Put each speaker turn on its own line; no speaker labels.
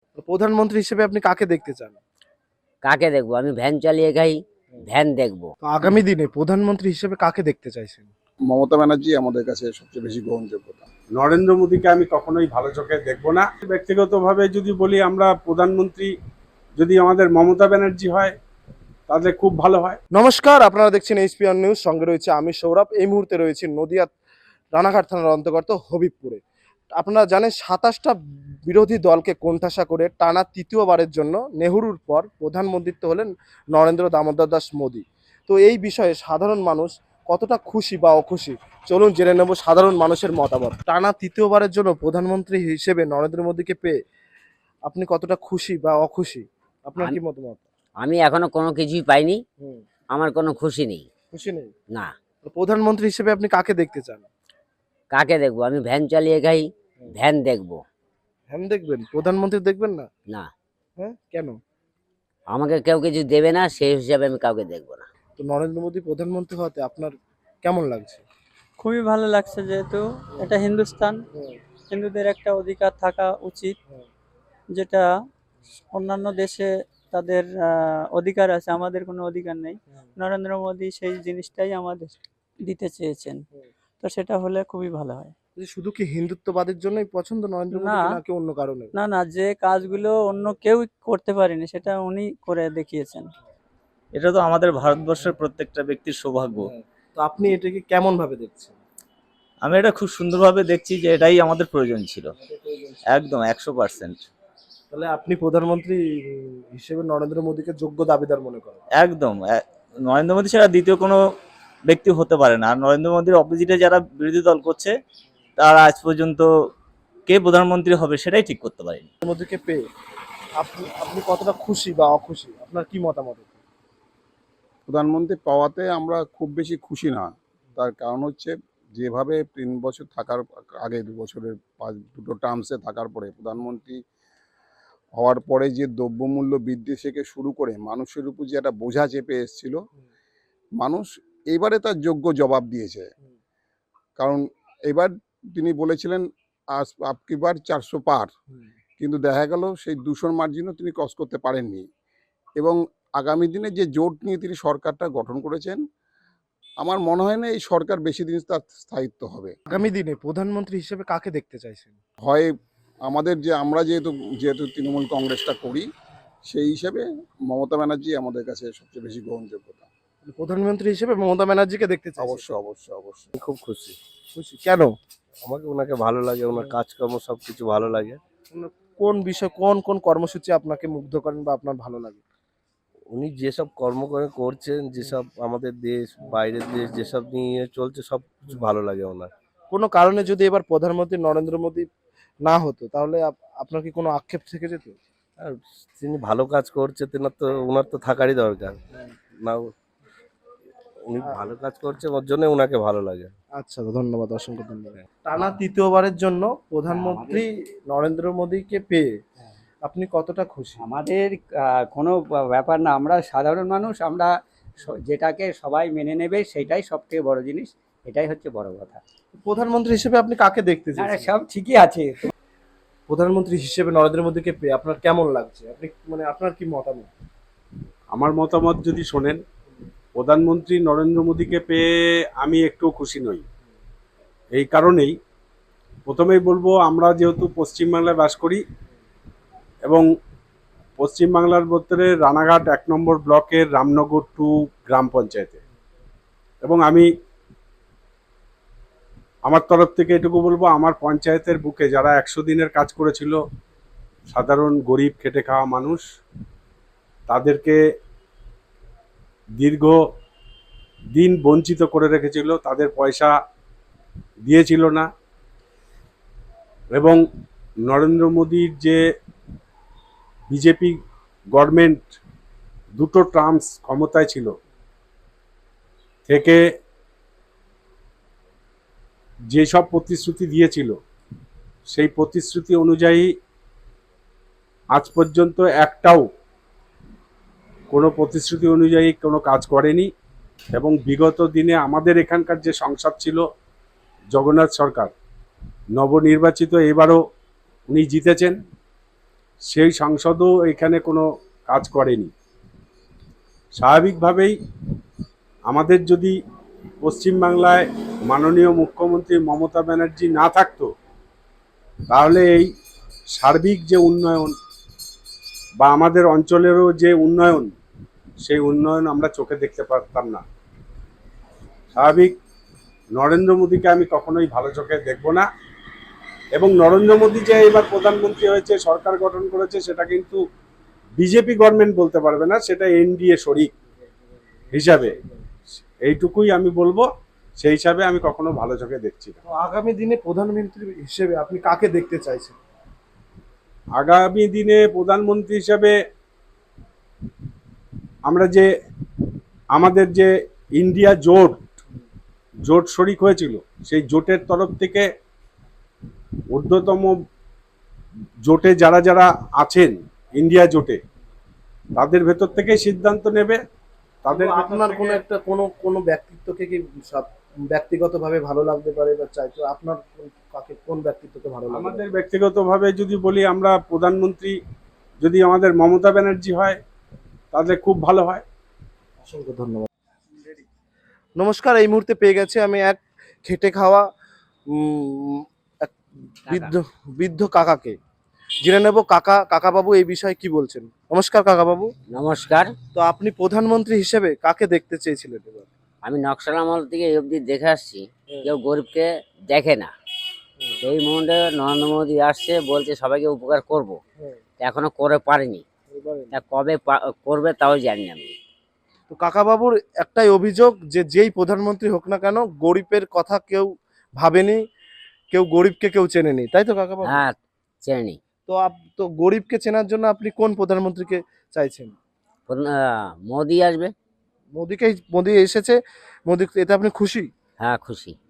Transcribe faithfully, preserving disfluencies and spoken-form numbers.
প্রধানমন্ত্রী হিসেবে আপনি কাকে দেখতে চান?
কাকে দেখবো? আমি ভ্যান চালিয়ে খাই, ভ্যান দেখবো।
তো আগামী দিনে প্রধানমন্ত্রী হিসেবে কাকে দেখতে চাইছেন?
মমতা ব্যানার্জি আমাদের কাছে সবচেয়ে বেশি গ্রহণযোগ্যতা।
নরেন্দ্র মোদীকে আমি কখনোই ভালো চোখে দেখব না। ব্যক্তিগতভাবে যদি বলি, আমরা প্রধানমন্ত্রী যদি আমাদের মমতা ব্যানার্জি হয় তাহলে খুব ভালো হয়।
নমস্কার, আপনারা দেখছেন এইচপিআর নিউজ। সঙ্গে রয়েছে আমি সৌরভ। এই মুহূর্তে রয়েছে নদিয়া রানাঘাট থানার অন্তর্গত হবিবপুরে। আপনারা জানেন সাতাশটা বিরোধী দলকে কোণঠাসা করে টানা তৃতীয়বারের জন্য নেহরুর পর প্রধানমন্ত্রীত্ব হলেন নরেন্দ্র দামোদর দাস মোদী। তো এই বিষয়ে সাধারণ মানুষ কতটা খুশি বা অখুশি, চলুন জেনে নেব সাধারণ মানুষের মতামত। টানা তৃতীয়বারের জন্য প্রধানমন্ত্রী হিসেবে নরেন্দ্র মোদীকে পেয়ে আপনি কতটা খুশি বা অখুশি, আপনার কি মতামত?
আমি এখনো কোনো কিছুই পাইনি,
হুম,
আমার কোনো খুশি নেই।
খুশি নেই।
না।
তো প্রধানমন্ত্রী হিসেবে আপনি কাকে দেখতে চান?
কাকে দেখবো? আমি ভ্যান চালিয়ে খাই, ভ্যান দেখবো।
হ্যাঁ, দেখবেন, প্রধানমন্ত্রী দেখবেন না?
না,
হ্যাঁ, কেন?
আমাকে কেউ কিছু দেবে না, সেই হিসাবে আমি কাউকে দেখবো না।
তো নরেন্দ্র মোদী প্রধানমন্ত্রী হতে আপনার কেমন লাগছে?
খুবই ভালো লাগছে, যেহেতু এটা হিন্দুস্তান, হিন্দুদের একটা অধিকার থাকা উচিত, যেটা অন্যান্য দেশে তাদের আহ, অধিকার আছে, আমাদের কোনো অধিকার নেই। নরেন্দ্র মোদী সেই জিনিসটাই আমাদের দিতে চেয়েছেন, তো সেটা হলে খুবই ভালো হয়।
যে শুধু কি হিন্দুত্ববাদের জন্যই পছন্দ নরেন্দ্র মোদী,
না।
নাকি অন্য কারণে?
না না, যে কাজগুলো অন্য কেউ করতে পারেনি সেটা উনি করে দেখিয়েছেন।
এটা তো আমাদের ভারতবর্ষের প্রত্যেকটা ব্যক্তির সৌভাগ্য।
তো আপনি এটাকে কেমন ভাবে দেখছেন?
আমি এটা খুব সুন্দরভাবে দেখছি যে এটাই আমাদের প্রয়োজন ছিল, একদম একশো পার্সেন্ট।
তাহলে আপনি প্রধানমন্ত্রী হিসেবে নরেন্দ্র মোদীকে যোগ্য দাবিদার মনে করেন?
একদম এ- নরেন্দ্র মোদী ছাড়া দ্বিতীয় কোনো ব্যক্তি হতে পারে না। আর নরেন্দ্র মোদীর অপোজিটে যারা বিরোধী দল করছে তারা আজ পর্যন্ত কে প্রধানমন্ত্রী হবে সেটাই ঠিক করতে পারেনি।
নরেন্দ্র মোদীকে পেয়ে আপনি আপনি কতটা খুশি বা অখুশি, আপনার কি মতামত?
প্রধানমন্ত্রী পাওয়াতে আমরা খুব বেশি খুশি না। তার কারণ হচ্ছে, যেভাবে তিন বছর থাকার আগে দু বছরের পাঁচ দুটো টার্মসে থাকার পরে প্রধানমন্ত্রী হওয়ার পরে যে দ্রব্যমূল্য বৃদ্ধি থেকে শুরু করে মানুষের উপর যে একটা বোঝা চেপে এসেছিল, মানুষ এইবারে তার যোগ্য জবাব দিয়েছে। কারণ এবার তিনি বলেছিলেন আজ আপকি বার চারশো পার, কিন্তু দেখা গেল সেই দুশোর মার্জিনও তিনি ক্রস করতে পারেননি। এবং আগামী দিনে যে জোট নিয়ে তিনি সরকারটা গঠন করেছেন, আমার মনে হয় না এই সরকার বেশি দিন তার স্থায়িত্ব হবে।
আগামী দিনে প্রধানমন্ত্রী হিসেবে কাকে দেখতে চাইছেন?
হয় আমাদের যে আমরা যেহেতু যেহেতু তৃণমূল কংগ্রেসটা করি, সেই হিসেবে মমতা ব্যানার্জি আমাদের কাছে সবচেয়ে বেশি গ্রহণযোগ্যতা।
প্রধানমন্ত্রী হিসেবে মমতা ব্যানার্জিকে দেখতে চাই।
অবশ্যই অবশ্যই অবশ্যই।
খুব খুশি।
খুশি কেন?
আমাকে ওনাকে ভালো লাগে, ওনার কাজকর্ম সবকিছু ভালো লাগে।
কোন বিষয়, কোন কোন কর্মসূচি আপনাকে মুগ্ধ করেন বা আপনার ভালো লাগে?
উনি যেসব কর্ম করে করছেন, যেসব আমাদের দেশ বাইরের দেশ যেসব নিয়ে চলছে সব কিছু ভালো লাগে ওনার।
কোনো কারণে যদি এবার প্রধানমন্ত্রী নরেন্দ্র মোদী না হতো, তাহলে আপ- আপনার কি কোনো আক্ষেপ থেকে যেত?
আর তিনি ভালো কাজ করছে, তেনার তো ওনার তো থাকারই দরকার না। উনি ভালো কাজ করছে, ওর জন্য ওনাকে ভালো লাগে।
আচ্ছা, ধন্যবাদ, অসংখ্য ধন্যবাদ। টানা তৃতীয়বারের জন্য প্রধানমন্ত্রী নরেন্দ্র মোদীকে পেয়ে আপনি কতটা খুশি?
আমাদের আহ, কোনো বা- ব্যাপার না, আমরা সাধারণ মানুষ, আমরা স- যেটাকে সবাই মেনে নেবে সেটাই সবথেকে বড় জিনিস, এটাই হচ্ছে বড় কথা।
প্রধানমন্ত্রী হিসেবে আপনি কাকে দেখতে
না না,
চান?
সব ঠিকই আছে।
প্রধানমন্ত্রী হিসেবে নরেন্দ্র মোদীকে পেয়ে আপনার কেমন লাগছে? আপনি মানে আপনার কি মতামত?
আমার মতামত যদি শোনেন, প্রধানমন্ত্রী নরেন্দ্র মোদীকে পেয়ে আমি একটু খুশি নই। এই কারণেই প্রথমেই বলবো, আমরা যেহেতু পশ্চিমবাংলায় বাস করি এবং পশ্চিমবাংলার ভিতরে রানাঘাট এক নম্বর ব্লকের রামনগর টু গ্রাম পঞ্চায়েতে, এবং আমি আমার তরফ থেকে এটুকু বলবো, আমার পঞ্চায়েতের বুকে যারা একশো দিনের কাজ করেছিল, সাধারণ গরিব খেটে খাওয়া মানুষ, তাদেরকে দীর্ঘ দিন বঞ্চিত করে রেখেছিল, তাদের পয়সা দিয়েছিল না। এবং নরেন্দ্র মোদীর যে বিজেপি গভর্নমেন্ট দুটো টার্মস ক্ষমতায় ছিল থেকে যেসব প্রতিশ্রুতি দিয়েছিল, সেই প্রতিশ্রুতি অনুযায়ী আজ পর্যন্ত একটাও কোনো প্রতিশ্রুতি অনুযায়ী কোনো কাজ করেনি। এবং বিগত দিনে আমাদের এখানকার যে সংসদ ছিল জগন্নাথ সরকার, নবনির্বাচিত, এবারও উনি জিতেছেন, সেই সংসদও এখানে কোনো কাজ করেনি। স্বাভাবিকভাবেই আমাদের যদি পশ্চিমবাংলায় মাননীয় মুখ্যমন্ত্রী মমতা ব্যানার্জি না থাকতো, তাহলে এই সার্বিক যে উন্নয়ন বা আমাদের অঞ্চলেরও যে উন্নয়ন, সেই উন্নয়ন আমরা চোখে দেখতে পারতাম না। স্বাভাবিক নরেন্দ্র মোদীকে আমি কখনোই ভালো চোখে দেখব না, এবং নরেন্দ্র মোদী যে এবার প্রধানমন্ত্রী হয়েছে, সরকার গঠন করেছে, সেটা কিন্তু বিজেপি গভর্নমেন্ট বলতে পারবে না, সেটা এনডিএ শরিক হিসাবে। এইটুকুই আমি বলবো, সেই হিসাবে আমি কখনো ভালো চোখে দেখছি না।
তো আগামী দিনে প্রধানমন্ত্রী হিসেবে আপনি কাকে দেখতে চাইছেন?
আগামী দিনে প্রধানমন্ত্রী হিসাবে আমরা যে আমাদের যে ইন্ডিয়া জোট জোট শরিক হয়েছিল, সেই জোটের তরফ থেকে ঊর্ধ্বতম জোটে যারা যারা আছেন ইন্ডিয়া জোটে, তাদের ভেতর থেকে সিদ্ধান্ত নেবে। তাদের
তো আপনার কোনো একটা কোনো কোনো ব্যক্তিত্বকে কি সব- ব্যক্তিগতভাবে ভালো লাগতে পারে বা চাইতো, আপনার কোন- কাকে কোন ব্যক্তিত্বকে ভালো লাগে?
আমাদের ব্যক্তিগতভাবে যদি বলি, আমরা প্রধানমন্ত্রী যদি আমাদের মমতা ব্যানার্জি হয়, তাহলে খুব ভালো হয়।
অসংখ্য ধন্যবাদ। নমস্কার, এই মুহূর্তে পেয়ে গেছে আমি এক খেটে খাওয়া উম, এক বৃদ্ধ বৃদ্ধ কাকাকে। জেনে নেব কাকা কাকাবাবু এই বিষয়ে কি বলছেন। নমস্কার কাকাবাবু।
নমস্কার।
তো আপনি প্রধানমন্ত্রী হিসেবে কাকে দেখতে চেয়েছিলেন এবার?
আমি নকশাল আমল থেকে এই অবধি দেখে আসছি, কেউ গরিবকে দেখে না। এই মুহূর্তে নরেন্দ্র মোদী আসছে, বলছে সবাইকে উপকার করব, এখনো করে পারেনি। তা কবে পা- করবে তাও জানি না আমি।
তো কাকাবাবুর একটাই অভিযোগ যে যেই প্রধানমন্ত্রী হোক না কেন, গরিবের কথা কেউ ভাবেনি, কেউ গরিবকে কেউ চেনেনি, তাই তো কাকাবাবু?
হ্যাঁ, চেনি।
তো আপ- তো গরিবকে চেনার জন্য আপনি কোন প্রধানমন্ত্রীকে চাইছেন?
মোদি আসবে।
মোদিকে মোদি এসেছে, মোদি এতে আপনি খুশি?
হ্যাঁ, খুশি।